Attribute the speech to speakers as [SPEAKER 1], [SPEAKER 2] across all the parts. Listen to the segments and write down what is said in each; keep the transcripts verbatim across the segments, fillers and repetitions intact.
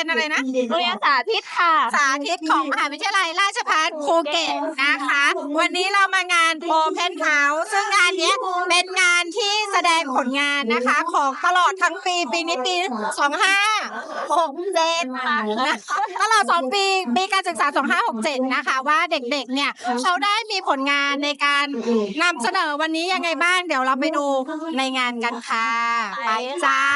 [SPEAKER 1] อะไรนะ
[SPEAKER 2] โรงเรียนสาธิตค่ะ
[SPEAKER 1] สาธิตของมหาวิทยาลัยราชภัฏภูเก็ตนะคะ วันนี้เรามางาน Open House ซึ่งงานนี้เป็นงานที่แสดงผลงานนะคะของตลอดทั้งปีปีนี้ปีสองห้าหกเจ็ดนะคะตลอดสองปีปีการศึกษาสองห้าหกเจ็ดนะคะว่าเด็กๆเนี่ยเขาได้มีผลงานในการนำเสนอวันนี้ยังไงบ้างเดี๋ยวเราไปดูในงานกันค่ะไปจ้า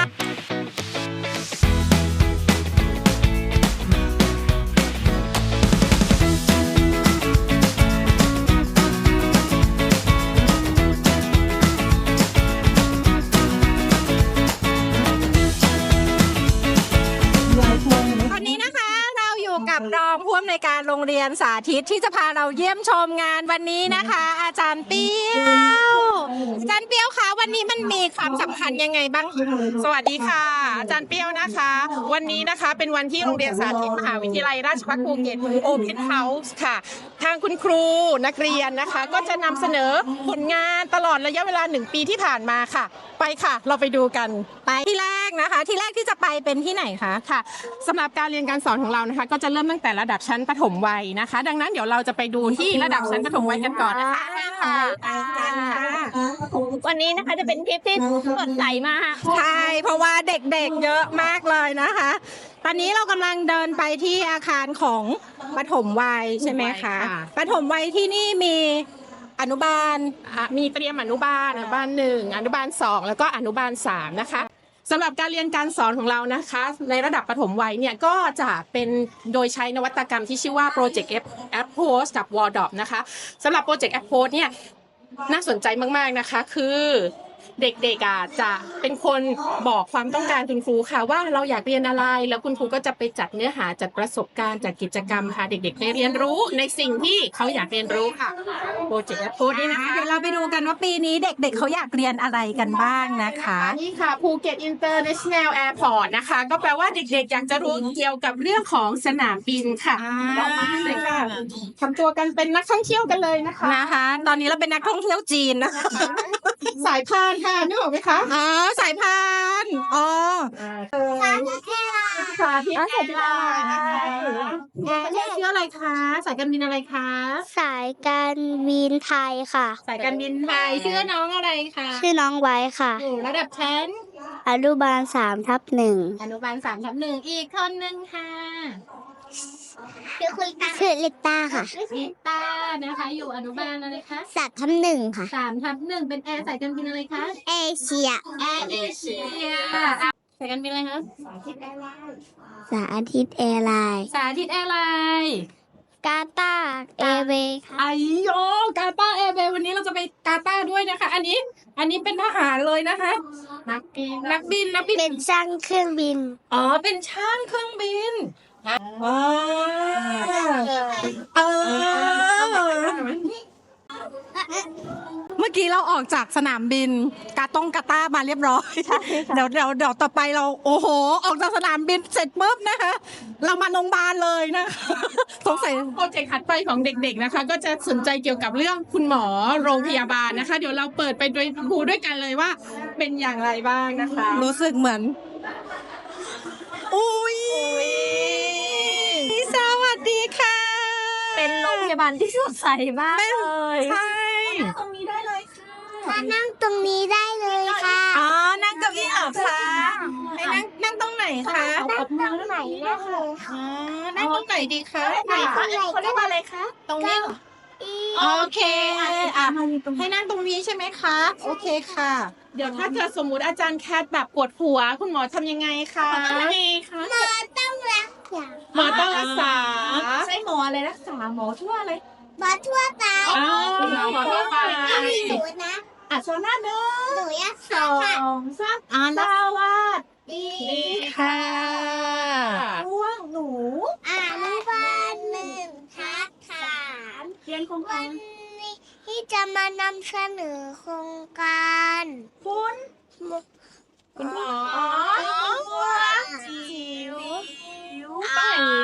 [SPEAKER 1] กับรองผู้อำนวยการโรงเรียนสาธิตที่จะพาเราเยี่ยมชมงานวันนี้นะคะ อาจารย์เปี้ยวอาจารย์เปี้ยวคะวันนี้มันมีความสำคัญยังไงบ้าง
[SPEAKER 3] สวัสดีค่ะอาจารย์เปี้ยวนะคะวันนี้นะคะเป็นวันที่โรงเรียนสาธิตมหาวิทยาลัยราชภัฏภูเก็ต Open House ค่ะทางคุณครูนักเรียนนะคะก็จะนำเสนอผลงานตลอดระยะเวลาหนึ่งปีที่ผ่านมาค่ะไปค่ะเราไปดูกัน
[SPEAKER 1] ไปที่แรกนะคะที่แรกที่จะไปเป็นที่ไหนคะ
[SPEAKER 3] ค่ะสำหรับการเรียนการสอนของเรานะคะก็จะเริ่มตั้งแต่ระดับชั้นประถมวัยนะคะดังนั้นเดี๋ยวเราจะไปดูที่ระดับชั้นประถมวัยกันก่อนนะคะ
[SPEAKER 2] วันนี้นะคะจะเป็นคลิปที่สดใสมาก
[SPEAKER 1] ใช่เพราะว่าเด็กๆเยอะมากเลยนะคะตอนนี้เรากำลังเดินไปที่อาคารของประถมวัยใช่ไหมคะประถมวัยที่นี่มีอนุบาล
[SPEAKER 3] มีเตรียมอนุบาลอนุบาลหนึ่งอนุบาลสองแล้วก็อนุบาลสามนะคะสำหรับการเรียนการสอนของเรานะคะในระดับประถมวัยเนี่ยก็จะเป็นโดยใช้นวัตกรรมที่ชื่อว่า Project Approach กับ วอล ดอ พี นะคะสำหรับ Project Approach เนี่ยน่าสนใจมากๆนะคะคือเด็กๆอ่ะจะเป็นคนบอกความต้องการคุณครูค่ะว่าเราอยากเรียนอะไรแล้วคุณครูก็จะไปจัดเนื้อหาจัดประสบการณ์จัดกิจกรรมค่ะเด็กๆได้เรียนรู้ในสิ่งที่เขาอยากเรียนรู้ค่ะโปรเจกต์แอปโพสนี่นะคะ
[SPEAKER 1] เดี๋ยวเราไปดูกันว่าปีนี้เด็กๆเขาอยากเรียนอะไรกันบ้างนะคะ
[SPEAKER 3] นี่ค่ะภูเก็ตอินเตอร์เนชั่นแนลแอร์พอร์ตนะคะก็แปลว่าเด็กๆอยากจะรู้เกี่ยวกับเรื่องของสนามบินค่ะเรามาเลยค่ะทำตัวกันเป็นนักท่องเที่ยวกันเลยนะคะ
[SPEAKER 1] นะคะตอนนี้เราเป็นนักท่องเที่ยวจีนนะคะ
[SPEAKER 3] สายพานค่ะนึกออกไหมคะ
[SPEAKER 1] อ๋อสายพานอ๋อ
[SPEAKER 2] สาธิตแอร์ไลน์สาธิตแอร์ไลน์
[SPEAKER 1] เรียกชื่ออะไรคะสายการบินอะไรคะ
[SPEAKER 2] สายการบินไทยค่ะ
[SPEAKER 1] สายการบินไทยชื่อน้องอะไรคะ
[SPEAKER 2] ชื่อน้องไว้ค่ะ
[SPEAKER 1] ระดับชั้น
[SPEAKER 2] อนุบาลสามทับหนึ่ง
[SPEAKER 1] อนุบาลสามทับหนึ่งอีกคนหนึ่งค่ะ
[SPEAKER 2] ชื่อคุณตาชื่อลิตาค่ะ
[SPEAKER 1] ลิตานะคะอยู่อนุบาลอะไรคะ
[SPEAKER 2] สามทับหนึ่งค่ะ
[SPEAKER 1] สามทับหนึ่งเป็นแอร์สายการบินอะไรคะ
[SPEAKER 2] เอเชีย
[SPEAKER 1] แอร์เอเชียสายการบินอะไรคะ
[SPEAKER 2] สาธิตแอร์ไลน์สาธิตแอร์ไลน์
[SPEAKER 1] สาธิตแอร์ไลน์
[SPEAKER 2] กาตาร์แอร์เวย์
[SPEAKER 1] ไอโยกาตาร์แอร์เวย์วันนี้เราจะไปกาตาร์ด้วยนะคะอันนี้อันนี้เป็นทหารเลยนะคะนักบินนักบินนักบิน
[SPEAKER 2] เป็นช่างเครื่องบิน
[SPEAKER 1] อ๋อเป็นช่างเครื่องบินว้าเออเมื่อกี้เราออกจากสนามบินกาตงกาตามาเรียบร้อยเดี๋ยวเดี๋ยวเดี๋ยวต่อไปเราโอ้โหออกจากสนามบินเสร็จปุ๊บนะคะเรามาโรงพยาบาลเลยนะสงสัย
[SPEAKER 3] โปรเจกต์ถัดไปของเด็กๆนะคะก็จะสนใจเกี่ยวกับเรื่องคุณหมอโรงพยาบาลนะคะเดี๋ยวเราเปิดไปโดยครูด้วยกันเลยว่าเป็นอย่างไรบ้างนะคะ
[SPEAKER 1] รู้สึกเหมือนอุ้ยสวัสดีค่ะ
[SPEAKER 2] เป็นโรงพยาบาลที่สดใสมากเลย
[SPEAKER 1] ใช่
[SPEAKER 2] ตรงนี้ได้เลยค่ะนั่งตรงนี้ได้เลยค่ะ
[SPEAKER 1] อ๋อนั่งเก้าอี้เหรอคะให้นั่งนั่งตรงไหนคะ
[SPEAKER 2] นั่งตรงไหนนะคะ
[SPEAKER 1] อ๋อนั่งตรงไหนดีคะ
[SPEAKER 2] ไหนคะเขาเรียกว่าอะไรคะ
[SPEAKER 1] ตรงนี้โอเคอ่ะให้นั่งตรงนี้ใช่ไหมคะโอเคค่ะ
[SPEAKER 3] เดี๋ยวถ้าเกิดสมมุติอาจารย์แคทแบบปวดหัวคุณหมอทำยังไงคะ
[SPEAKER 2] ทำยังไงคะหมอต้องรักษา
[SPEAKER 3] หมอต้องรักษา
[SPEAKER 1] ใช่หมออะไรรักษาหมอทั่วอะไร
[SPEAKER 2] หมอทั่วไป
[SPEAKER 3] อ๋อหมอทั่วไป
[SPEAKER 2] หนูนะ
[SPEAKER 1] อ่ะโซน่าหนึ่ง
[SPEAKER 2] หนูอยาก
[SPEAKER 1] สองสามอ่านสวัสดีค่ะ
[SPEAKER 2] ร่วงหนูอนุบาลหนึ่งทักถาม
[SPEAKER 1] เรียนโครงการ
[SPEAKER 2] ที่จะมานำเสนอโครงการ
[SPEAKER 1] คุณคุณหมอ
[SPEAKER 2] จิ๋ว
[SPEAKER 1] ไป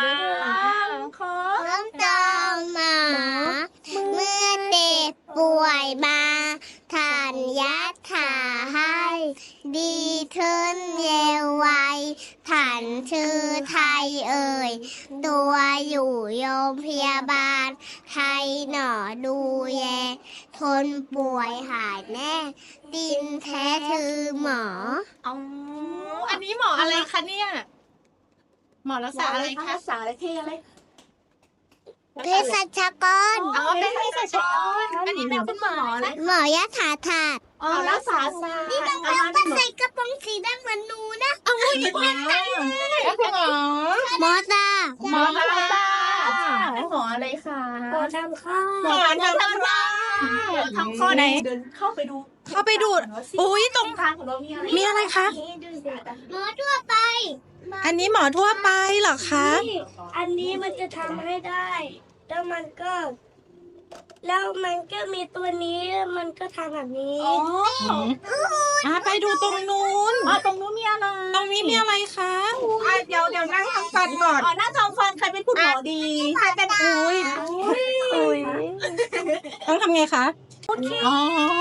[SPEAKER 2] น้องจอมหมาเมื่อเด็กป่วยมาทานยาถ่าให้ดีดีขึ้นเร็วไวฉันชื่อไทยเอ่ยตัวอยู่โรงพยาบาลไทยหนอดูแยทนป่วยหายแน่ดินแท้คือหมอ
[SPEAKER 1] อ๋ออันนี้หมออะไรคะเนี่ยหมอรักษาอะไรคะ
[SPEAKER 3] ภาษาอะไรที่อะไร
[SPEAKER 2] เภสัชกร
[SPEAKER 1] อ๋อเป็นเภสัชกรอันนี้เป็นคุณหมอนะ
[SPEAKER 2] หมอยะถาถาด
[SPEAKER 1] อ๋อรักษาศาสตร์
[SPEAKER 2] นี่ต้องเอาไปใส่กระโปรงสีดำเหมือนหนูนะ
[SPEAKER 1] เอาไม่เหมือนกันแล้วคุณหมอ
[SPEAKER 2] หมอตา
[SPEAKER 1] หมออะไรตาหมออะไรคะ
[SPEAKER 2] หมอทำข้าว
[SPEAKER 1] หมอทำข้อทำข้อไหน
[SPEAKER 3] เดินเข้าไปดู
[SPEAKER 1] เข้าไปดูดอุ้ยตรง
[SPEAKER 3] ทางของเรามีอะไร
[SPEAKER 1] มีอะไรคะ
[SPEAKER 2] หมอทั่วไป
[SPEAKER 1] อันนี้หมอทั่วไปเหรอคะ
[SPEAKER 2] อันนี้มันจะทำให้ได้ แล้วมันก็ แล้วมันก็มีตัวนี้แล้วมันก็ทำแบบนี้
[SPEAKER 1] อ๋ออ่ะไปดูตรงนู้น
[SPEAKER 3] อ๋อตรงนู้นมีอะไร
[SPEAKER 1] ตรงนี้มีอะไรคะอ่ะเดี๋ยวเดี๋ยวนั่งทำฟันก่อน
[SPEAKER 3] อ๋อหน้าทองฟันใครเป็นคุณหมอดี
[SPEAKER 1] ใครเป็นอุ้ย
[SPEAKER 2] อุ้ย
[SPEAKER 1] ต้องทำไงคะอ๋อ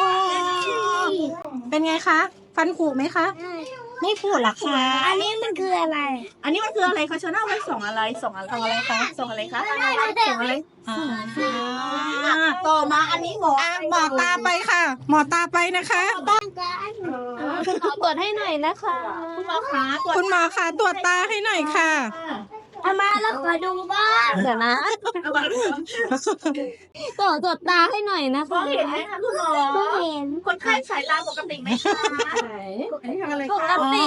[SPEAKER 1] เป็นไงคะ ฟันผุไหมคะ ไม่ผุหรอกคะ
[SPEAKER 2] อันนี้มันคืออะไร
[SPEAKER 3] อันนี้มันคืออะไรคะเชอหน้าไว้ส่งอะไรส่งอะไรส่งอะไรคะส่งอะไรคะส่งอะไร
[SPEAKER 1] อ่า
[SPEAKER 3] ต่อมาอันนี้หมอ
[SPEAKER 1] อ่ะหมอตาไปค่ะ หมอตาไปนะคะ
[SPEAKER 3] คุณหมอเปิดให้หน่อยนะคะคุณหมอคะตรวจ
[SPEAKER 1] คุณหมอคะตรวจตาให้หน่อยค่ะ
[SPEAKER 2] เอามาแล้วขอดูบ้างเดี๋ยวนะต่อตรวจตาให้หน่อยนะ
[SPEAKER 3] มอ
[SPEAKER 2] คะ
[SPEAKER 3] งเห็นไหมคะคุณหมอ
[SPEAKER 2] ไม่เห็น
[SPEAKER 3] คนไข้สายตาปกติไหมคะอันนี้ทำอะไร
[SPEAKER 2] ป
[SPEAKER 3] คะ
[SPEAKER 2] กติ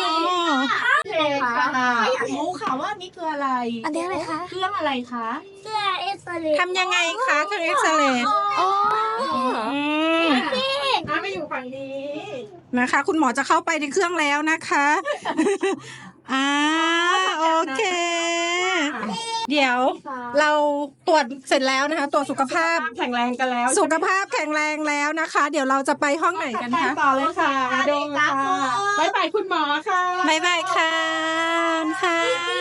[SPEAKER 3] ค่ะอยากรู้ค่ะว่านี่คืออะไร
[SPEAKER 2] อันนี้อะไรคะ
[SPEAKER 3] เครื่องอะไรคะ
[SPEAKER 2] เสื้อเอ็กซเรย์
[SPEAKER 1] ทำยังไงคะเครื่องเอ็กซเรย์
[SPEAKER 3] อ๋อ
[SPEAKER 1] อืม
[SPEAKER 3] อ่ะไม่อยู่ฝั่งนี้
[SPEAKER 1] นะคะ คุณหมอจะเข้าไปในเครื่องแล้วนะคะอ่าโอเค เดี๋ยวเราตรวจเสร็จแล้วนะคะ ตรวจสุขภาพ
[SPEAKER 3] แข็งแรงกันแล้ว
[SPEAKER 1] สุขภาพแข็งแรงแล้วนะคะ เดี๋ยวเราจะไปห้องไหนกันคะ
[SPEAKER 3] ต่อเลยค่ะดูค่ะบายบายคุณหมอค่ะ
[SPEAKER 1] บายบายค่ะค่ะ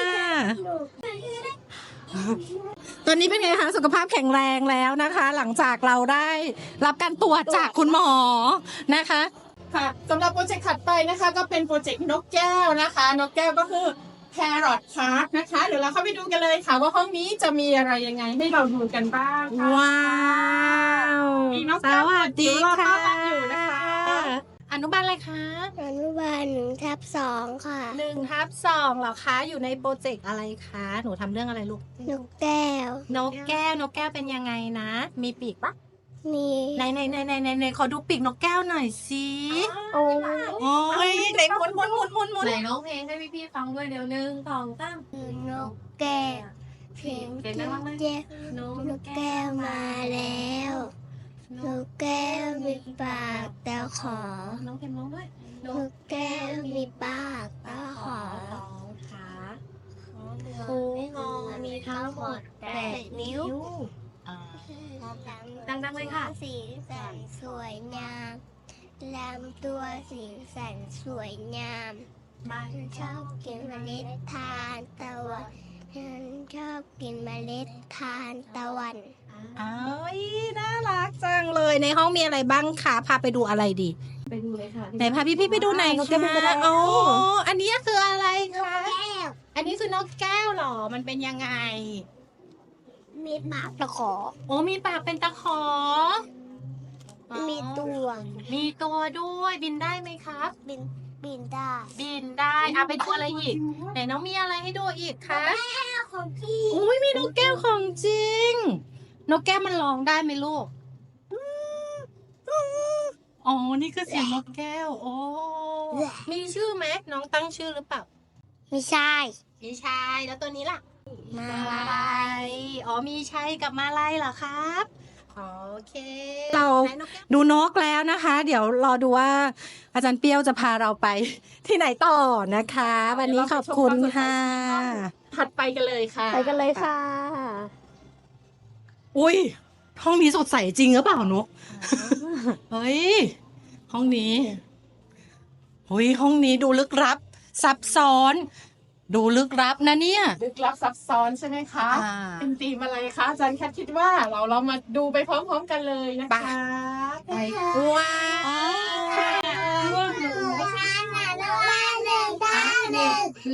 [SPEAKER 1] ตอนนี้เป็นไงคะสุขภาพแข็งแรงแล้วนะคะ หลังจากเราได้รับการตรวจจากคุณหมอนะคะ
[SPEAKER 3] ค่ะสำหรับโปรเจกต์ถัดไปนะคะ ก็เป็นโปรเจกต์นกแก้วนะคะ นกแก้วก็คือ Parrot Park นะคะ เดี๋ยวเราเข้าไปดูกันเลยค่ะ ว่าห้องนี้จะมีอะไรยังไงให้เราดูกันบ้างค่ะ
[SPEAKER 1] ว้าว
[SPEAKER 3] มีน้อง
[SPEAKER 1] สวัสดีค่ะ
[SPEAKER 3] รอต้อนรับอยู่นะคะ
[SPEAKER 1] อนุบาลอะไรคะ
[SPEAKER 2] อนุบาลหนึ่งทับสองค่ะ
[SPEAKER 1] หนึ่งทับสองเหรอคะ อยู่ในโปรเจกต์อะไรคะ หนูทำเรื่องอะไรลูก
[SPEAKER 2] นกแก้ว
[SPEAKER 1] นกแก้วนกแก้วเป็นยังไงนะ มีปีกปะ
[SPEAKER 2] มี
[SPEAKER 1] ไหนไหนไหนไหนไหนไหนขอดูปีกนกแก้วหน่อยสิ
[SPEAKER 2] โอ้
[SPEAKER 1] โอ้ยไหนหมุนหมุนหมุนหมุนหมุน
[SPEAKER 4] ไหนร้องเพลงให้พี่ๆฟังด้วยเดี๋ยวหนึ่งสองสาม
[SPEAKER 2] นกแก้วเพียง
[SPEAKER 4] เดี๋ยวนะ
[SPEAKER 2] แก้วน นกแก้วมาแล้ว นกแก้วมีปากแต่ขอ
[SPEAKER 4] น้องเพลงร้องด้วย
[SPEAKER 2] นกแก้วมีปากแต่ขอ
[SPEAKER 4] สองขา
[SPEAKER 2] หูงอมีทั้งหมดแปดนิ้ว
[SPEAKER 4] ดังๆเลยค่ะ
[SPEAKER 2] สีสันสวยงามลำตัวสีสันสวยงาม มันชอบกินเมล็ดทานตะวันมันชอบกินเมล็ดทานตะวัน
[SPEAKER 1] อ้าวน่ารักจังเลยในห้องมีอะไรบ้างคะพาไปดูอะไรดี
[SPEAKER 4] ไปดูเลยค่ะ
[SPEAKER 1] ไหนพาพี่พี่ๆไปดูไหนอยคะโอ้อันนี้คืออะไรคะ
[SPEAKER 2] แก้ว
[SPEAKER 1] อันนี้คือนกแก้วเหรอมันเป็นยังไง
[SPEAKER 2] มีปากตะขอ
[SPEAKER 1] โอ้มีปากเป็นตะขออ๋อ
[SPEAKER 2] มีตัว
[SPEAKER 1] มีตัวด้วยบินได้ไหมครับ
[SPEAKER 2] บินบินได้
[SPEAKER 1] บินได้เอาไปดูอะไรอีกไหนน้องมีอะไรให้ดูอีกคะ
[SPEAKER 2] แก้วของพี่
[SPEAKER 1] อุ้ยมีนกแก้วของจริง นกแก้วมันร้องได้ไหมลูกอ๋อนี่คือเสียงนกแก้วโอ้มีชื่อไหมน้องตั้งชื่อหรือเปล่า
[SPEAKER 2] ไม่ใช่
[SPEAKER 1] มีชายแล้วตัวนี้ล่ะ
[SPEAKER 2] มา
[SPEAKER 1] มาลายอ๋อมีชัยกับมาลายเหรอครับโอเคเราดูนกแล้วนะคะ เดี๋ยวรอดูว่าอาจารย์เปี้ยวจะพาเราไปที่ไหนต่อนะคะ วันนี้ขอบคุณค่ะ
[SPEAKER 3] ถัดไปกันเลยค่ะ
[SPEAKER 2] ไปกันเลยค่ะ
[SPEAKER 1] อุ้ยห้องนี้สดใสจริงหรือเปล่านก เฮ้ยห้องนี้เฮ้ยห้องนี้ดูลึกลับ ซับซ้อน ดูลึกลับนะเนี่ย
[SPEAKER 3] ลึกลับซับซ้อนใช่ไหมคะ
[SPEAKER 1] อ่า
[SPEAKER 3] เป็นธีมอะไรคะอาจารย์แคทคิดว่าเราเรามาดูไปพร้อมๆกันเลยนะคะ
[SPEAKER 1] ไปว้าว
[SPEAKER 2] ไม่ใช่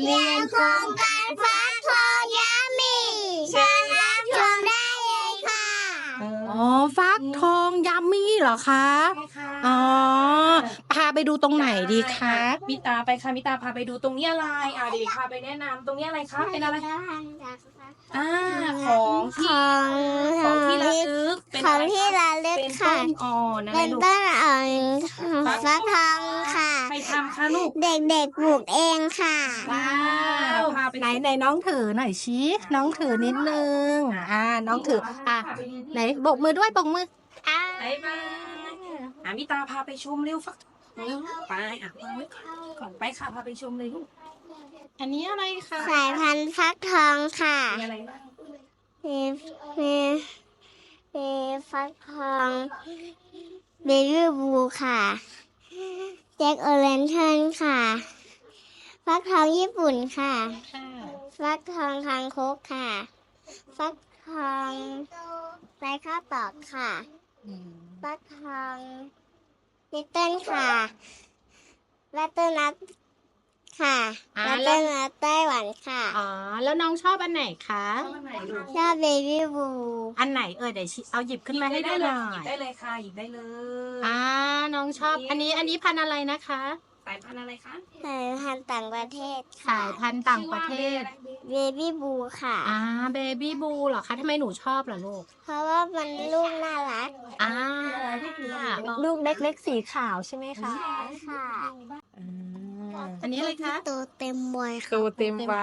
[SPEAKER 2] เรียนโครงการฟักทองยามีเชิญรับชมได้เลยค่ะ
[SPEAKER 1] อ๋อฟักทองยัมมี่เหรอคะ
[SPEAKER 3] ใช่ค่ะ
[SPEAKER 1] อ๋อพาไปดูตรงไหนดีคะ
[SPEAKER 3] มิตาไปค่ะมิตาพาไปดูตรงนี้อะไรอ่ะเดี๋ยวพาไปแนะนำตรงนี้อะไรคะเป็นอะไรอ่าของที่
[SPEAKER 2] ของ
[SPEAKER 3] ของที่ระลึกเป็น
[SPEAKER 2] ข
[SPEAKER 3] อะ
[SPEAKER 2] อง
[SPEAKER 3] ไร
[SPEAKER 2] ที่
[SPEAKER 3] คะ
[SPEAKER 2] ระลึก
[SPEAKER 3] เป็น
[SPEAKER 2] ค่ะ
[SPEAKER 3] ต้นอ่อนอะไร
[SPEAKER 2] เป็น
[SPEAKER 3] ลูก
[SPEAKER 2] ต้นอ่อนฟักทองค่ะ
[SPEAKER 3] ใครทำคะลูก
[SPEAKER 2] เด็กๆปลูกเองค่ะ
[SPEAKER 3] ว้าวพาไป
[SPEAKER 1] ไหนไหนน้องถือหน่อยชี้น้องถือนิดนึงอ่าน้องถืออ่ะไหนโบกมือด้วยโบกมือ
[SPEAKER 3] ไปมาอ่ะมิตาพาไปชมเร็วฟักทองเร็วไปอ่ะวางไว้ก่อนก่อนไปค่ะพาไปชมเลยลูก
[SPEAKER 1] อันนี้อะไรคะ
[SPEAKER 2] สายพันธุ์ฟักทองค่ะ
[SPEAKER 3] มีอะไรบ้าง
[SPEAKER 2] มีมีมีฟักทองเบบี้บูค่ะแจ็คโอเรนเทิร์นค่ะ ฟักทองญี่ปุ่นค่ะ ฟักทองคางคกค่ะ ฟักทองไรข้าวตอกค่ะ ฟักทองลิตเติ้ลค่ะลัตเตอร์นัทค่ะลัตเตอร์นัทไต้หวันค่ะ
[SPEAKER 1] อ๋อแล้วน้องชอบอันไหนคะ
[SPEAKER 2] ชอบเบบี้บู
[SPEAKER 1] อันไหนเออเดี๋ยวชี้เอาหยิบขึ้นมาให้ดูหน่อ
[SPEAKER 3] หยิ
[SPEAKER 1] ย
[SPEAKER 3] บได้เลยค่ะหยิบได้เลย
[SPEAKER 1] อ่าน้องชอบอันนี้อันนี้พันธุ์อะไรนะคะ
[SPEAKER 3] สายพันธุ์อะไรคะ
[SPEAKER 2] สายพันธุ์ต่างประเทศ
[SPEAKER 1] สายพันธุ์ต่างประเทศ
[SPEAKER 2] เบบี้บูค่ะ
[SPEAKER 1] อ่าเบบี้บูเหรอคะทำไมหนูชอบล่ะลูก
[SPEAKER 2] เพราะว่ามันลูกน่ารัก
[SPEAKER 1] อ่า
[SPEAKER 5] ลูกเล็กๆสีขาวใช่ไหมคะ
[SPEAKER 2] ค่ะ
[SPEAKER 1] อันนี้อะไรคะ
[SPEAKER 2] ตัวเต็มวัยค่ะ
[SPEAKER 1] ตัวเต็มใบ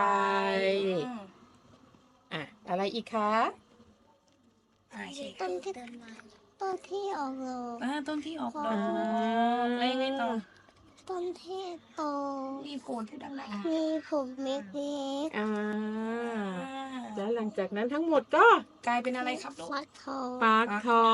[SPEAKER 1] อ่ะอะไรอีกคะ
[SPEAKER 3] อ่าใช่
[SPEAKER 2] ต้นที่ต้นที่ออกดอก
[SPEAKER 3] อ่าต้นที่ออกดอ
[SPEAKER 1] อ่าก
[SPEAKER 3] แล้วยังไงต่อ
[SPEAKER 2] ต้นที่โต
[SPEAKER 3] มีโพนที่ดังไหน
[SPEAKER 2] มีผมเล็ก
[SPEAKER 1] อ่า
[SPEAKER 3] อ่า
[SPEAKER 1] แล้วหลังจากนั้นทั้งหมดก็
[SPEAKER 3] กลายเป็นอะไรครับลู
[SPEAKER 2] ๆ
[SPEAKER 3] ก
[SPEAKER 2] ฟักทอง
[SPEAKER 1] ปาร์คทอง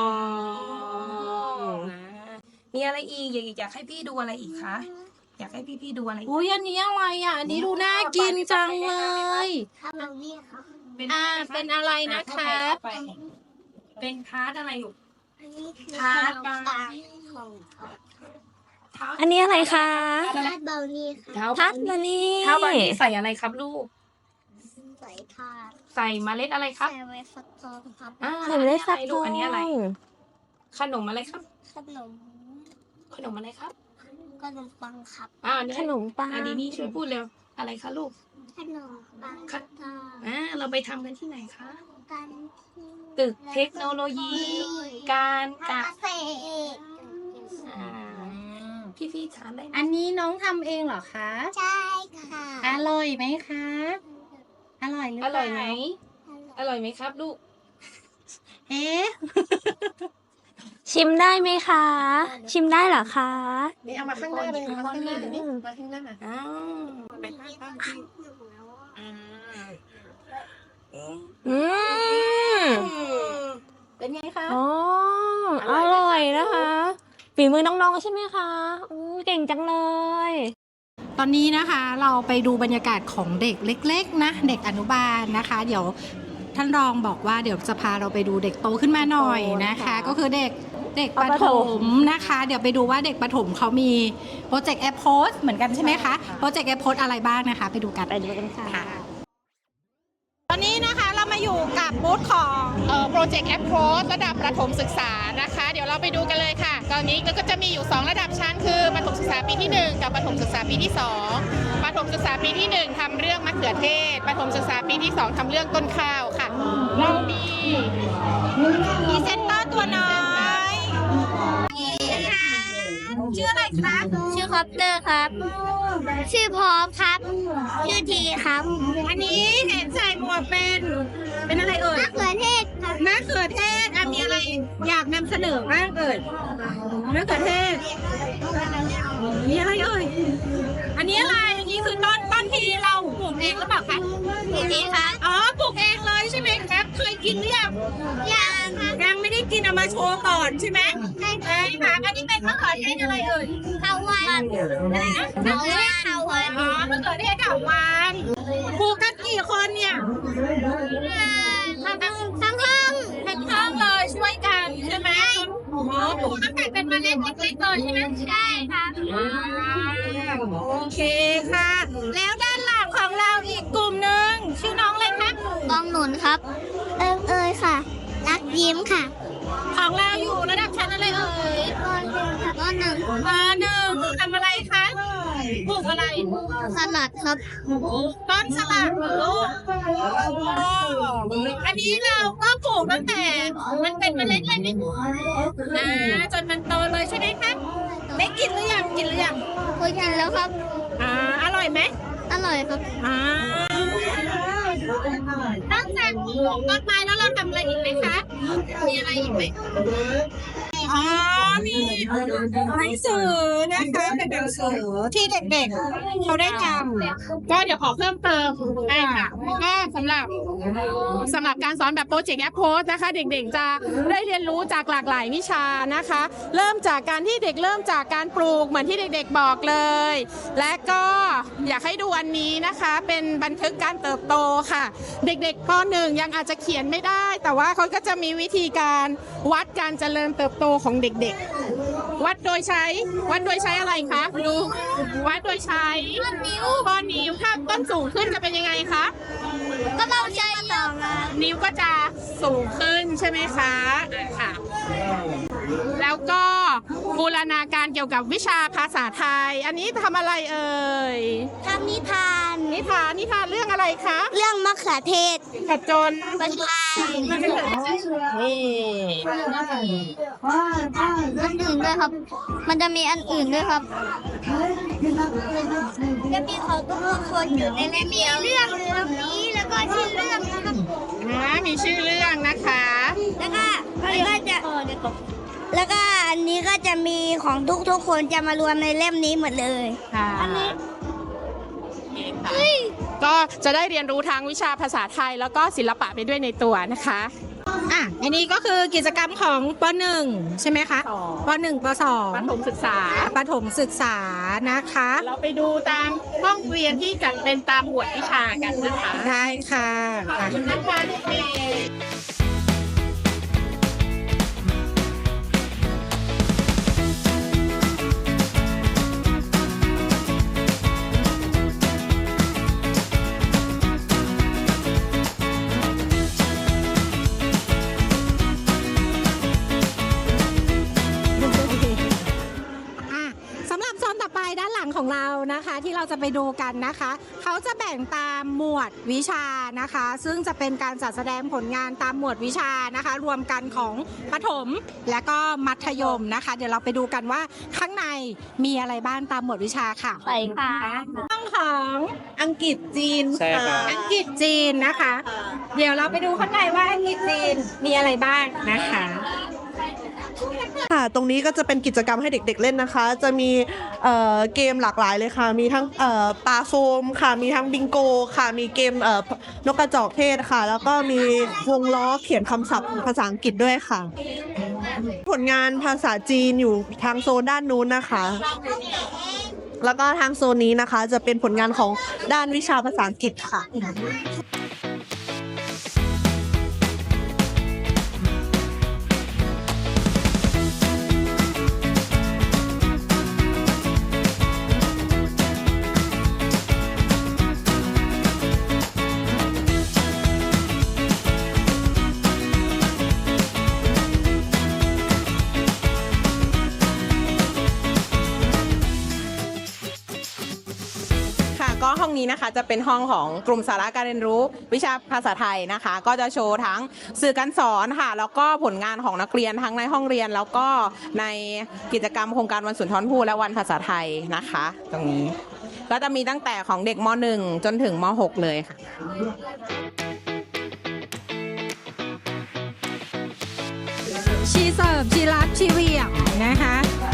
[SPEAKER 3] นะมีอะไรอีกอยากอยากให้พี่ดูอะไรอีกคะอยากให้พี่พี่ๆดูอะไรอีก
[SPEAKER 1] อุ้ยอันนี้อะไรอ่ะอันนี้ดูน่ากินจังเลย
[SPEAKER 2] ครับเราเนี่ยครับ
[SPEAKER 3] เป็น
[SPEAKER 1] อ่าเป็นอะไรนะคะ
[SPEAKER 3] ไปเป็นทาร์ตอะไรอยู่
[SPEAKER 2] อันนี้คือ
[SPEAKER 3] ทาร์ตบา
[SPEAKER 2] ปลา
[SPEAKER 3] ร์
[SPEAKER 2] ของ
[SPEAKER 3] เท้า
[SPEAKER 5] อันนี้อะไรคะ
[SPEAKER 2] ทาร์ตเบลนี่ค่ะ
[SPEAKER 3] เท้า
[SPEAKER 5] พัดมานี่
[SPEAKER 3] เท้าบาร์นี่ใส่อะไรครับลูก
[SPEAKER 2] ใส่ทาร์ต
[SPEAKER 3] ใส่เมล็ดอะไรครับ
[SPEAKER 2] ใส่ไว้ฟักทองครับ
[SPEAKER 3] อ่า
[SPEAKER 5] ใส่ไม่ได้สัก
[SPEAKER 3] อันนี้
[SPEAKER 5] ตั
[SPEAKER 3] ลู
[SPEAKER 5] ว
[SPEAKER 3] กอันนี้อะไร ขนมอะไรครับ
[SPEAKER 2] ขนม
[SPEAKER 3] ขนมอะไรครับ
[SPEAKER 2] ขนมปังครับ
[SPEAKER 3] อ่าเนี่ย
[SPEAKER 5] ขนมปัง
[SPEAKER 3] อันนี้นี่ช่วยพูดเร็วอะไรคะลูก
[SPEAKER 2] ขนมปัง
[SPEAKER 3] ค่ะ
[SPEAKER 2] ทอด
[SPEAKER 3] อ่าเราไปทำกันที่ไหนคะ
[SPEAKER 2] กัน
[SPEAKER 3] ตึกเทคโนโลยี การเก
[SPEAKER 2] เก
[SPEAKER 3] ษ
[SPEAKER 2] ษ
[SPEAKER 3] ตรอ่าพี่พี่ๆทานได้ไหม
[SPEAKER 1] อันนี้น้องทำเองเหรอคะ
[SPEAKER 2] ใช่ค่ะ
[SPEAKER 1] อร่อยไหมคะ อร่อยหรือ
[SPEAKER 3] อ
[SPEAKER 1] เปล่า
[SPEAKER 3] ร่อยไหมอร่อยไหมครับลูก
[SPEAKER 1] เอ๊ะ
[SPEAKER 5] ชิมได้ไหมคะ ชิมได้เหรอคะ
[SPEAKER 1] นี่เอามาข้างหน้าเลยมาข้างหน้าเลยนี่มาข้างหน้า
[SPEAKER 3] อ้าว
[SPEAKER 5] อืม
[SPEAKER 1] เป็นไงคะ
[SPEAKER 5] อ๋ออร่อยนะคะฝีมือน้องๆใช่ไหมคะอู้เก่งจังเลย
[SPEAKER 1] ตอนนี้นะคะเราไปดูบรรยากาศของเด็กเล็กๆนะเด็กอนุบาลนะคะ เดี๋ยวท่านรองบอกว่าเดี๋ยวจะพาเราไปดูเด็กโตขึ้นมาหน่อยนะคะ ก็คือเด็กเด็กประถมนะคะ เดี๋ยวไปดูว่าเด็กประถมเขามีโปรเจกต์แอปโพสเหมือนกันใช่ไหมคะโปรเจกต์แอปโพสอะไรบ้างนะคะ ไปดูกัน
[SPEAKER 5] ไปดูกันค่ะ
[SPEAKER 1] ตอนนี้นะคะเรามาอยู่กับบูธของโปรเจกต์แอปโพสระดับประถมศึกษานะคะ เดี๋ยวเราไปดูกันเลยค่ะ ตอนนี้ก็จะมีอยู่ สอง ระดับชั้นคือประถมศึกษาปีที่ หนึ่ง กับประถมศึกษาปีที่ สอง ประถมศึกษาปีที่ หนึ่ง ทำเรื่องมะเขือเทศประถมศึกษาปีที่ สอง ทำเรื่องต้นข้าวค่ะเรามีพรีเซนเตอร์ตัวน้อยชื่ออะไรคะ
[SPEAKER 2] ชื่อคอปเตอร์ครับ ชื่อพร้อมครับ ชื่อทีครับ
[SPEAKER 1] อันนี้เห็นใส่หมวกเป็นเป็นอะไรเอ่ย
[SPEAKER 2] มะเขือเทศครับ
[SPEAKER 1] มะเขือเทศอ่ะมีอะไรอยากนำเสนอบ้างเอ่ยมะเขือเทศมีอะไรเอ่ยอันนี้อะไรอันนี้คือต้นต้นที่เราปลูกเองหรือเปล่าคะ
[SPEAKER 2] ทีครับ
[SPEAKER 1] อ๋อปลูกเองเลยใช่ไหมครับเคยกินหรือยัง
[SPEAKER 2] ยังครับ
[SPEAKER 1] ยังไม่ได้กินเอามาโชว์ก่อนใช่ไหมใช่ค่ะอันนี้เป็นมะเขือเทศอะไรเอ่ย
[SPEAKER 2] ข้าววันอะไรนะข้าววันข้าววัน
[SPEAKER 1] อ๋อมะเขือเทศดอกวานปลูกกันกี่คนเนี่ย
[SPEAKER 2] ทั้งทั้งห้อง
[SPEAKER 1] ทั้งห้องเลยช่วยกันใช่ไหมโอ้โหปลูกตั้งแต่เป็นเมล็ดเล็กๆเลยใช่ไหม
[SPEAKER 2] ใช่ครับ
[SPEAKER 1] โอเคค่ะ แล้วด้านหลังของเราชื่อน้องเลยคะ
[SPEAKER 2] กองหนุนครับ เอิงเอยค่ะ รักยิ้มค่ะ
[SPEAKER 1] ของเราอยู่ระดับชั้นอะไรเอ่ย
[SPEAKER 2] ก็หนึ่ง
[SPEAKER 1] ปหนึ่งทำอะไรคะปลูกอะไร
[SPEAKER 2] สลัดครับ
[SPEAKER 1] ต้นสลัดเหรอลูกอันนี้เราก็ปลูกตั้งแต่มันเป็นเมล็ดเลยไหมอ่าจนมันโตเลยใช่ไหมคะได้กินหรือยังกินหรือยัง
[SPEAKER 2] เคยกินแล้วครับ
[SPEAKER 1] อ่าอร่อยไหม
[SPEAKER 2] อร่อยครับ
[SPEAKER 1] อ่านอกจากปลูกต้นไม้แล้วเราทำอะไรอีกไหมคะ มีอะไรอีกไหมอ๋อ มีหนังสือนะคะเป็นหนังสือที่เด็กๆเขาได้ทำ
[SPEAKER 3] ก็เดี๋ยวขอเพิ่มเติมได้ค่ะก็สำหรับสำหรับการสอนแบบโปรเจกต์แอปโพสนะคะ เด็กๆจะได้เรียนรู้จากหลากหลายวิชานะคะ เริ่มจากการที่เด็กเริ่มจากการปลูกเหมือนที่เด็กๆบอกเลย และก็อยากให้ดูอันนี้นะคะ เป็นบันทึกการเติบโตค่ะ เด็กๆปหนึ่งยังอาจจะเขียนไม่ได้ แต่ว่าเขาก็จะมีวิธีการวัดการเจริญเติบโตของเด็กๆ วัดโดยใช้วัดโดยใช้อะไรคะดูวัดโดยใช้ข้อนิ้วข้อนิ้วถ้าต้นสูงขึ้นจะเป็นยังไงคะ
[SPEAKER 2] ก็เราใช้ต่อมา
[SPEAKER 3] นิ้วก็จะสูงขึ้นใช่ไหมคะอ่ะค่ะ แล้วก็บูรณาการเกี่ยวกับวิชาภาษาไทย อันนี้ทำอะไรเอ่ย
[SPEAKER 2] ทำนิทาน
[SPEAKER 3] นิทานนิทานเรื่องอะไรคะ
[SPEAKER 2] เรื่องมะเขือเทศ
[SPEAKER 3] ผจญ
[SPEAKER 2] บรรพาย
[SPEAKER 3] นี่
[SPEAKER 2] อันอื่นด้วยครับ มันจะมีอันอื่นด้วยครับจะมีของทุกคนอยู่ในเล่มเดียวเรื่องเรื่องนี้แล้วก็ชื่อเรื่องนะครับ
[SPEAKER 3] นะมีชื่อเรื่องนะคะ
[SPEAKER 2] แล้วก็แล้วก็จะแล้วก็อันนี้ก็จะมีของทุกทุกๆคนจะมารวมในเล่มนี้หมดเลย
[SPEAKER 3] ค่ะ
[SPEAKER 2] อันนี้
[SPEAKER 3] นี่ค่ะก็จะได้เรียนรู้ทั้งวิชาภาษาไทยแล้วก็ศิลปะไปด้วยในตัวนะคะ
[SPEAKER 1] อ่ะ อันนี้ก็คือกิจกรรมของปหนึ่งใช่ไหมคะ
[SPEAKER 3] สอง
[SPEAKER 1] ปหนึ่งปสอง
[SPEAKER 3] ประถมศึกษา
[SPEAKER 1] ประถมศึกษานะคะ
[SPEAKER 3] เราไปดูตามห้องเรียนที่จัดเป็นตามหมวดวิชากันนะคะ
[SPEAKER 1] ได้ค่ะอ่ะ
[SPEAKER 3] นะคะเด็กๆ
[SPEAKER 1] อ่ะสำหรับโซนต่อไปด้านหลังของเรานะคะ ที่เราจะไปดูกันนะคะ เขาจะแบ่งตามหมวดวิชานะคะ ซึ่งจะเป็นการจัดแสดงผลงานตามหมวดวิชานะคะ รวมกันของประถมและก็มัธยมนะคะ เดี๋ยวเราไปดูกันว่าข้างในมีอะไรบ้างตามหมวดวิชาค่ะ
[SPEAKER 2] ไปค่ะ
[SPEAKER 1] ห้องของอังกฤษจีน
[SPEAKER 6] ใช่ครับ
[SPEAKER 1] อังกฤษจีนนะคะ เดี๋ยวเราไปดูข้างในว่าอังกฤษจีนมีอะไรบ้างนะคะ
[SPEAKER 7] ค่ะ ตรงนี้ก็จะเป็นกิจกรรมให้เด็กๆเล่นนะคะ จะมีเอ่อเกมหลากหลายเลยค่ะ มีทั้งเอ่อปลาโฟมค่ะ มีทั้งบิงโกค่ะ มีเกมเอ่อนกกระจอกเทศค่ะ แล้วก็มีวงล้อเขียนคำศัพท์ภาษาอังกฤษด้วยค่ะ ผลงานภาษาจีนอยู่ทางโซนด้านนู้นนะคะ แล้วก็ทางโซนนี้นะคะ จะเป็นผลงานของด้านวิชาภาษาอังกฤษค่ะ
[SPEAKER 8] ค่ะก็ห้องนี้นะคะจะเป็นห้องของกลุ่มสาระการเรียนรู้วิชาภาษาไทยนะคะ ก็จะโชว์ทั้งสื่อการสอนค่ะ แล้วก็ผลงานของนักเรียนทั้งในห้องเรียน แล้วก็ในกิจกรรมโครงการวันสุนทรภู่และวันภาษาไทยนะคะ ตรงนี้ก็จะมีตั้งแต่ของเด็กม หนึ่ง จนถึงม หก เลยค่ะ
[SPEAKER 1] ชีเสิร์ฟชีรับชีเหวี่ยงนะคะ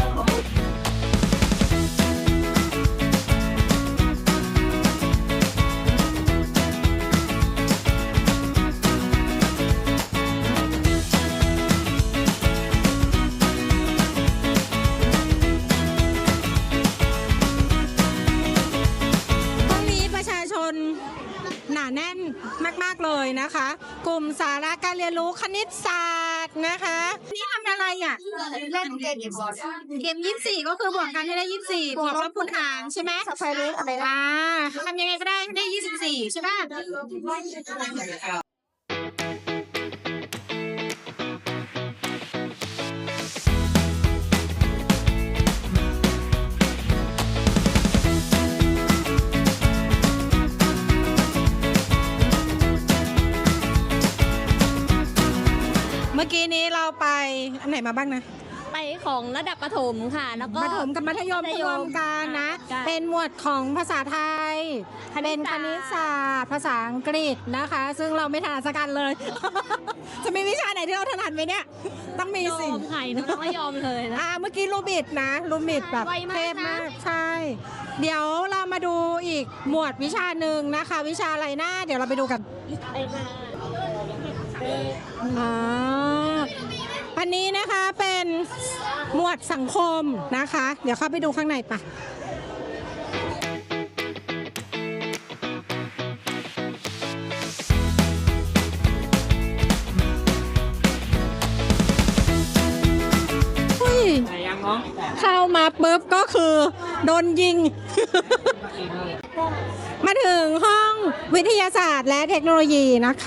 [SPEAKER 1] ห้องนี้ประชาชนหนาแน่นมาก ๆ เลยนะคะ กลุ่มสาระการเรียนรู้คณิตศาสตร์
[SPEAKER 5] ไปของระดับประถมค่ะ แล้วก็
[SPEAKER 1] ประถมกับมัธยม
[SPEAKER 5] มัธยม
[SPEAKER 1] รวมกันนะ
[SPEAKER 5] ใช่
[SPEAKER 1] เป็นหมวดของภาษาไทย
[SPEAKER 5] คณิตศาสตร์
[SPEAKER 1] เป็นคณิตศาสตร์ภาษาอังกฤษนะคะ ซึ่งเราไม่ถนัดสักกันเลย จะมีวิชาไหนที่เราถนัดไหมเนี่ย ต้องมี
[SPEAKER 5] ย
[SPEAKER 1] สิ
[SPEAKER 5] อมไข่นะไม่ยอมเลยนะ
[SPEAKER 1] อ่าเมื่อกี้ลูบิดนะลูบิดแบบ
[SPEAKER 5] ไวมาก
[SPEAKER 1] เทพมาก
[SPEAKER 5] นะ
[SPEAKER 1] ใช่ เดี๋ยวเรามาดูอีกหมวดวิชาหนึ่งนะคะ วิชาอะไรนะเดี๋ยวเราไปดูกัน
[SPEAKER 5] ไปมา
[SPEAKER 1] อ่าอันนี้นะคะเป็นหมวดสังคมนะคะ เดี๋ยวเข้าไปดูข้างในปะอุ้ยเข้ามาปุ๊บก็คือโดนยิง มาถึงห้องวิทยาศาสตร์และเทคโนโลยีนะคะ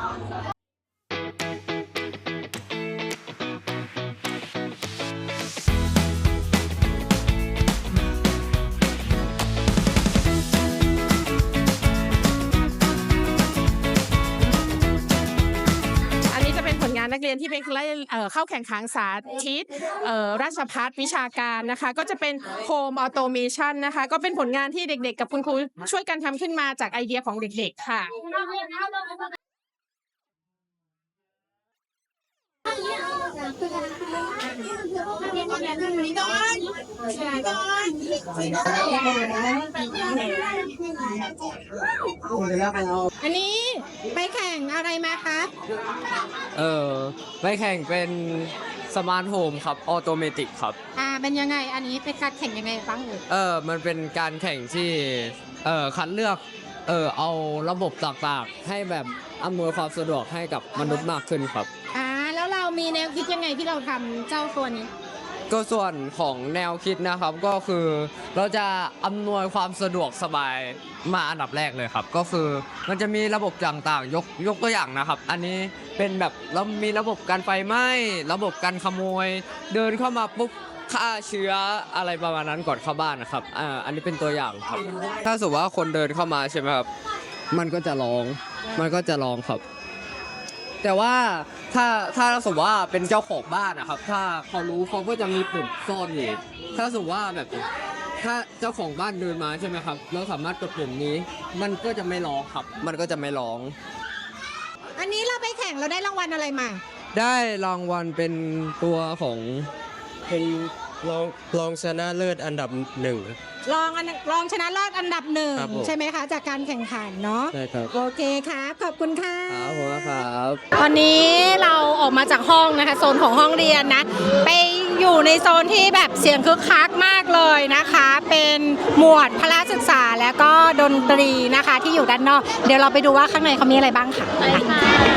[SPEAKER 3] อันนี้จะเป็นผลงานนักเรียนที่ไปเอ่อเข้าแข่งขันสาธิตเอ่อราชภัฏวิชาการนะคะ ก็จะเป็นโฮมออโตเมชันนะคะ ก็เป็นผลงานที่เด็กๆ กับคุณครูช่วยกันทำขึ้นมาจากไอเดียของเด็กๆค่ะ
[SPEAKER 1] อันนี้ไปแข่งอะไรมาคะ
[SPEAKER 6] เออไปแข่งเป็นสมาร์ทโฮมครับออโตเมติกครับ
[SPEAKER 1] อ่าเป็นยังไง อันนี้เป็นการแข่งยังไงบ้างเอ่ย
[SPEAKER 6] เออมันเป็นการแข่งที่เออคัดเลือกเออเอาระบบต่างๆให้แบบอำนวยความสะดวกให้กับมนุษย์มากขึ้นครับ
[SPEAKER 1] อ่าแล้วเรามีแนวคิดยังไงที่เราทำเจ้าตัวนี้
[SPEAKER 6] ก็ส่วนของแนวคิดนะครับก็คือเราจะอำนวยความสะดวกสบายมาอันดับแรกเลยครับ ก็คือมันจะมีระบบต่างๆ ยกยกตัวอย่างนะครับ อันนี้เป็นแบบเรามีระบบการไฟไหม้ระบบการขโมย เดินเข้ามาปุ๊บฆ่าเชื้ออะไรประมาณนั้นก่อนเข้าบ้านนะครับอ่าอันนี้เป็นตัวอย่างครับ ถ้าสมมติว่าคนเดินเข้ามาใช่ไหมครับมันก็จะร้องมันก็จะร้องครับ แต่ว่าถ้าถ้าสมมติว่าเป็นเจ้าของบ้านนะครับ ถ้าเขารู้เขาก็จะมีปุ่มซ่อนอยู่ถ้าสมมติว่าแบบถ้าเจ้าของบ้านเดินมาใช่ไหมครับเราสามารถกดปุ่มนี้ มันก็จะไม่ร้องครับ มันก็จะไม่ร้อง
[SPEAKER 1] อันนี้เราไปแข่งเราได้รางวัลอะไรมา
[SPEAKER 6] ได้รางวัลเป็นตัวของ
[SPEAKER 9] เป็นรองรองชนะเลิศอันดับหนึ่ง
[SPEAKER 1] รองอันรองชนะเลิศอันดับหนึ่ง
[SPEAKER 9] ครับผม
[SPEAKER 1] ใช่ไหมคะ จากการแข่งขันเนาะ
[SPEAKER 9] ใช่ครับ
[SPEAKER 1] โอเคครับ ขอบคุณค่ะ
[SPEAKER 6] ครับผมครับ
[SPEAKER 1] ตอนนี้เราออกมาจากห้องนะคะโซนของห้องเรียนนะ ไปอยู่ในโซนที่แบบเสียงคึกคักมากเลยนะคะ เป็นหมวดพละศึกษาและก็ดนตรีนะคะที่อยู่ด้านนอก เดี๋ยวเราไปดูว่าข้างในเขามีอะไรบ้างค่ะ
[SPEAKER 5] ไปค่ะ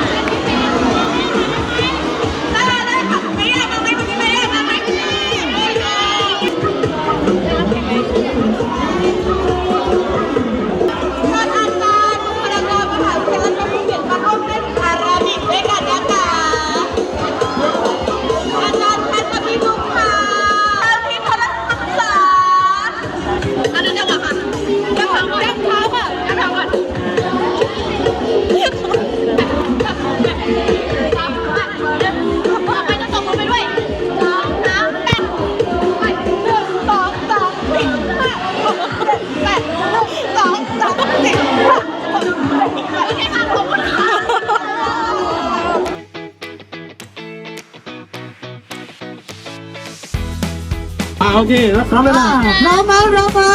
[SPEAKER 9] โอเครับรับเวลา
[SPEAKER 1] เรามาเรามา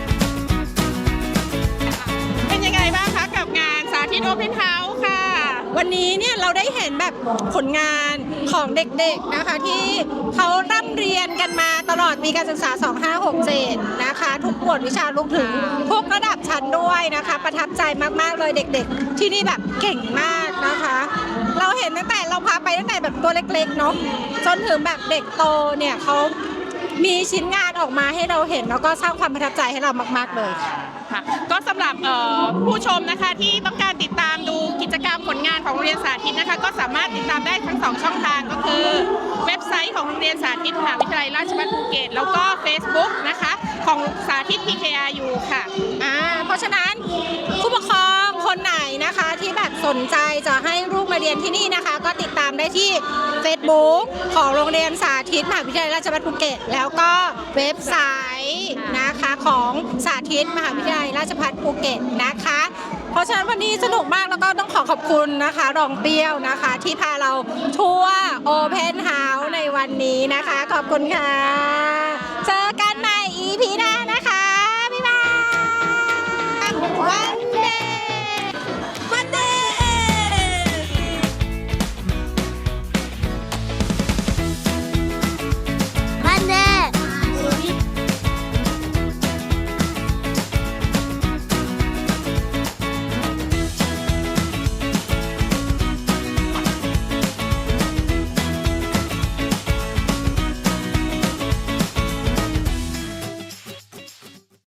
[SPEAKER 3] เป็นยังไงบ้างคะกับงานสาธิตโอเพนเฮาส์ค่ะ
[SPEAKER 1] วันนี้เนี่ยเราได้เห็นแบบผลงานของเด็กๆนะคะที่เขาร่ำเรียนกันมาตลอดปีการศึกษา สองห้าหกเจ็ด นะคะทุกหมวดวิชารวมถึงทุกระดับชั้นด้วยนะคะ ประทับใจมากๆเลยเด็กๆ ที่นี่แบบเก่งมากนะคะ เราเห็นตั้งแต่เราพาไปตั้งแต่แบบตัวเล็กๆเนาะจนถึงแบบเด็กโตเนี่ยเขามีชิ้นงานออกมาให้เราเห็นแล้วก็สร้างความประทับใจให้เรามากๆเลยค่ะ
[SPEAKER 3] ค่ะก็สำหรับเอ่อผู้ชมนะคะที่ต้องการติดตามดูกิจกรรมผลงานของโรงเรียนสาธิตนะคะก็สามารถติดตามได้ทั้งสองช่องทางก็คือเว็บไซต์ของโรงเรียนสาธิตมหาวิทยาลัยราชภัฏภูเก็ตแล้วก็ Facebook นะคะของสาธิต พี เค อาร์ ยู ค่ะ
[SPEAKER 1] อ่าเพราะฉะนั้นผู้ปกครองคนไหนนะคะที่แบบสนใจจะให้ลูกมาเรียนที่นี่นะคะ ก็ติดตามได้ที่ Facebook ของโรงเรียนสาธิตมหาวิทยาลัยราชภัฏภูเก็ตแล้วก็เว็บไซต์นะคะของสาธิตมหาวิทยาลัยราชภัฏภูเก็ตนะคะ เพราะฉะนั้นวันนี้สนุกมากแล้วก็ต้องขอขอบคุณนะคะรองเปรี้ยวนะคะ ที่พาเราทัวร์โอเพนเฮาส์ในวันนี้นะคะ ขอบคุณค่ะ เจอกันใหม่ อี พี หน้า